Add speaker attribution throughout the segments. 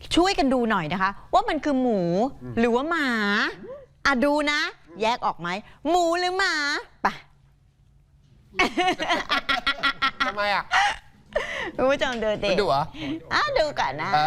Speaker 1: ช่วยกันดูหน่อยนะคะ ว่ามันคือหมูหรือว่าหมาดูนะ แยกออกไหมหมูหรือหมาไป
Speaker 2: ทำไมอ่ะ
Speaker 1: คุณผู้ชมดูดิ
Speaker 2: ดูเหรอ
Speaker 1: ดูก่อนนะ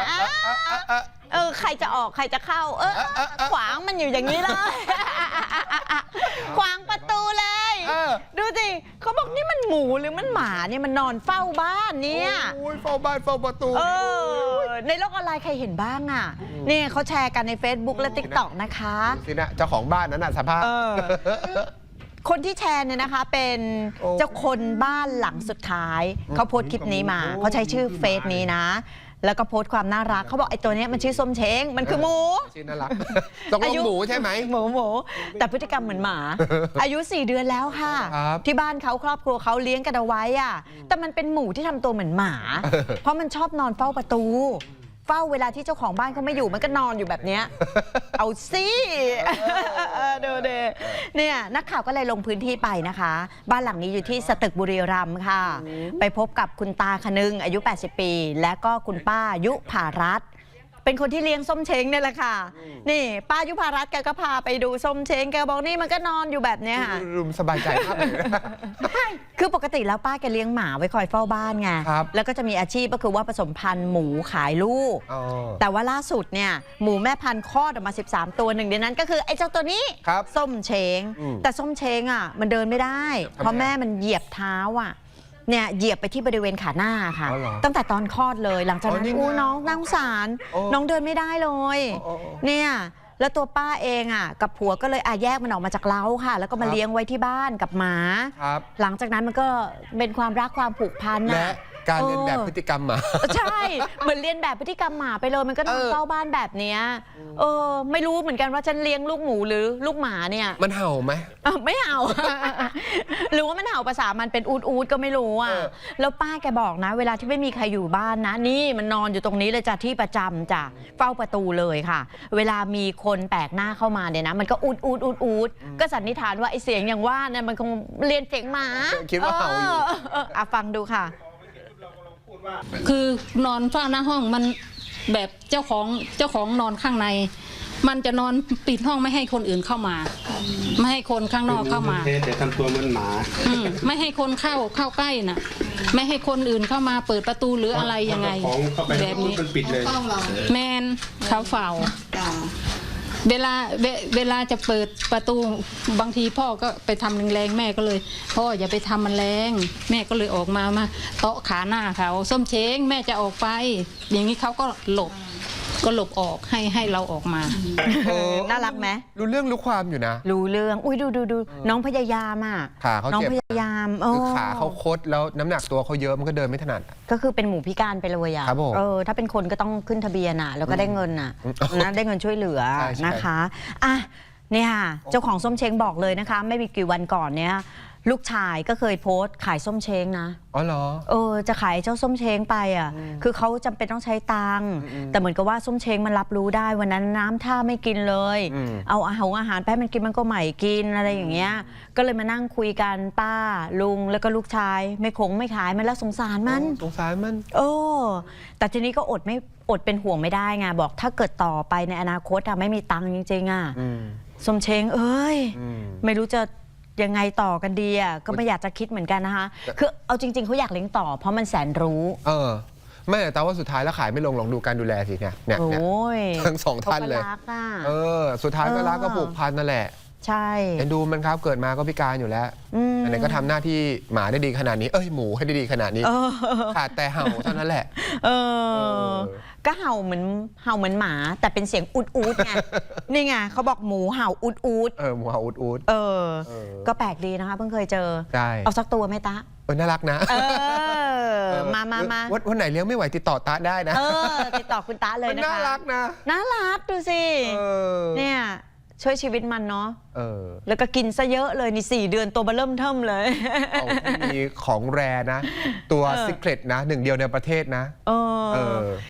Speaker 1: ใครจะออกใครจะเข้าขวางมันอยู่อย่างนี้เลยขวางประตูเลยดูสิเขาบอกนี่มันหมูหรือมันหมาเนี่ยมันนอนเฝ้าบ้านเนี่ย
Speaker 2: เฝ้าบ้านเฝ้าประตู
Speaker 1: ในโลกออนไลน์ใครเห็นบ้างอ่ะนี่เขาแชร์กันใน Facebook และ TikTok นะคะ
Speaker 2: สินะเจ้าของบ้านนั้นน่ะสภาพ
Speaker 1: คนที่แชร์เนี่ยนะคะเป็นเจ้าคนบ้านหลังสุดท้ายเขาโพสต์คลิปนี้มาเขาใช้ชื่อเฟซนี้นะแล้วก็โพสต์ความน่ารักเขาบอกไอ้ตัวนี้มันชื่อส้มเช้งมันคือหมู
Speaker 2: ชื่อน่ารักต้องหมูใช่ไหม
Speaker 1: หมูแต่พฤติกรรมเหมือนหมาอายุ4 เดือนแล้วค่ะที่บ้านเขาครอบครัวเขาเลี้ยงกันเอาไว้อ่ะแต่มันเป็นหมูที่ทำตัวเหมือนหมาเพราะมันชอบนอนเฝ้าประตูเฝ้าเวลาที่เจ้าของบ้านเขาไม่อยู่มันก็นอนอยู่แบบนี้เอาสิดูเดเนี่ยนักข่าวก็เลยลงพื้นที่ไปนะคะบ้านหลังนี้อยู่ที่สตึกบุรีรัมย์ค่ะไปพบกับคุณตาคนึงอายุ80 ปีและก็คุณป้ายุภารัตน์เป็นคนที่เลี้ยงส้มเช้งนี่แหละค่ะนี่ป้ายุภารัตน์แกก็พาไปดูส้มเช้งแกบอกนี่มันก็นอนอยู่แบบเนี้ยค่ะ
Speaker 2: รุมสบายใจมากเลย
Speaker 1: คือปกติแล้วป้าแกเลี้ยงหมาไว้คอยเฝ้าบ้านไงแล้วก็จะมีอาชีพก็คือว่าผสมพันธุ์หมูขายลูกแต่ว่าล่าสุดเนี่ยหมูแม่พันธุ์คลอดออกมา13 ตัวหนึ่งในนั้นก็คือไอ้เจ้าตัวนี้ส้มเช้งแต่ส้มเช้งอ่ะมันเดินไม่ได้เพราะแม่มันเหยียบเท้าอ่ะเนี่ยเหยียบไปที่บริเวณขาหน้าค่ะตั้งแต่ตอนคลอดเลยหลังจากนั้นน้องน่าสงสารน้องเดินไม่ได้เลยเนี่ยแล้วตัวป้าเองอ่ะกับผัวก็เลยแยกมันออกมาจากเล้าค่ะแล้วก็มาเลี้ยงไว้ที่บ้านกับหมาหลังจากนั้นมันก็เป็นความรักความผูกพัน
Speaker 2: และการเรียนแบบพฤติกรรมหมา
Speaker 1: ใช่เหมือนเรียนแบบพฤติกรรมหมาไปเลยมันก็นอนเฝ้าบ้านแบบเนี้ยไม่รู้เหมือนกันว่าฉันเลี้ยงลูกหมูหรือลูกหมาเนี่ย
Speaker 2: มันเห่าไหม
Speaker 1: ไม่เห่าหรือว่ามันเห่าภาษามันเป็นอูดก็ไม่รู้อ่ะแล้วป้าแกบอกนะเวลาที่ไม่มีใครอยู่บ้านนะนี่มันนอนอยู่ตรงนี้เลยจ้ะที่ประจำจ้ะเฝ้าประตูเลยค่ะเวลามีคนแปลกหน้าเข้ามาเนี่ยนะมันก็อูดก็สันนิษฐานว่าไอเสียงอย่างว่าเนี่ยมันคงเรียนเสียงหมา
Speaker 2: คิดว่าเห่าอยู่
Speaker 1: ฟังดูค่ะ
Speaker 3: คือนอนเฝ้าหน้าห้องมันแบบเจ้าของนอนข้างในมันจะนอนปิดห้องไม่ให้คนอื่นเข้ามาไม่ให้คนข้างนอกเข้ามา
Speaker 4: แต่ทำตัวเหมือนหมา
Speaker 3: ไม่ให้คนเข้าใกล้น่ะไม่ให้คนอื่นเข้ามาเปิดประตูหรืออะไรยังไงแบบนี้
Speaker 4: ปิดเลย
Speaker 3: แมนเขาเฝ้าเวลาจะเปิดประตูบางทีพ่อก็ไปทำแรงๆแม่ก็เลยพ่ออย่าไปทำมันแรงแม่ก็เลยออกมาเตาะขาหน้าเขาส้มเช้งแม่จะออกไปอย่างนี้เขาก็หลบออกให้เราออกมา
Speaker 1: น่ารักไหม
Speaker 2: รู้เรื่องรู้ความอยู่นะ
Speaker 1: รู้เรื่องอุ้ยดูน้องพยายามอ่ะ
Speaker 2: ขาเขา
Speaker 1: น้องพยายาม
Speaker 2: คือขาเขาคดแล้วน้ำหนักตัวเขาเยอะมันก็เดินไม่ถนัด
Speaker 1: ก็คือเป็นหมูพิการไปเลยอ่ะถ้าเป็นคนก็ต้องขึ้นทะเบียนอ่ะแล้วก็ได้เงินอ่ะนะได้เงินช่วยเหลือนะคะเนี่ยเจ้าของส้มเช้งบอกเลยนะคะไม่มีกี่วันก่อนเนี่ยลูกชายก็เคยโพสต์ขายส้มเช้งนะ
Speaker 2: อ๋อเหรอ
Speaker 1: จะขายเจ้าส้มเช้งไปอ่ะคือเขาจำเป็นต้องใช้ตังค์แต่เหมือนกับว่าส้มเช้งมันรับรู้ได้วันนั้นน้ำท่าไม่กินเลยเอาอาหารไปให้มันกินมันก็ไม่กินอะไรอย่างเงี้ยก็เลยมานั่งคุยกันป้าลุงแล้วก็ลูกชายไม่ขายมันแล้วสงสารมันแต่ทีนี้ก็อดเป็นห่วงไม่ได้ไงบอกถ้าเกิดต่อไปในอนาคตไม่มีตังค์จริงๆส้มเช้งไม่รู้จะยังไงต่อกันดีก็ไม่อยากจะคิดเหมือนกันนะคะคือเอาจริงๆเขาอยากเลี้ยงต่อเพราะมันแสนรู้
Speaker 2: ไม่แต่ว่าสุดท้ายแล้วขายไม่ลงดูการดูแลสิเนี่ยทั้งสองท่านเลยสุดท้ายก็รักก็ผูกพันนั่นแหละ
Speaker 1: ใช่
Speaker 2: เอ็นดูมันครับเกิดมาก็พิการอยู่แล้วไหนก็ทำหน้าที่หมาได้ดีขนาดนี้หมูให้ได้ดีขนาดนี้ขาดแต่เห่าเท่านั้นแหละ
Speaker 1: ก็เห่าเหมือนหมาแต่เป็นเสียงอูดไงนี่ไงเขาบอกหมูเห่าอูด
Speaker 2: หมูเห่าอูด
Speaker 1: ก็แปลกดีนะคะเพิ่งเคยเจอเอาสักตัวไหมตา
Speaker 2: น่ารักนะ
Speaker 1: มา
Speaker 2: วันไหนเลี้ยงไม่ไหวติดต่อตาได้นะ
Speaker 1: ติดต่อคุณตาเลยนะคะ
Speaker 2: น่ารักนะ
Speaker 1: น่ารักดูสิเนี่ยช่วยชีวิตมันเนาะแล้วก็กินซะเยอะเลยนี่4 เดือนตัวเบิ่มเทิ่มเลย
Speaker 2: มีของแรนะตัวซิกเรตนะ1 เดียวในประเทศนะ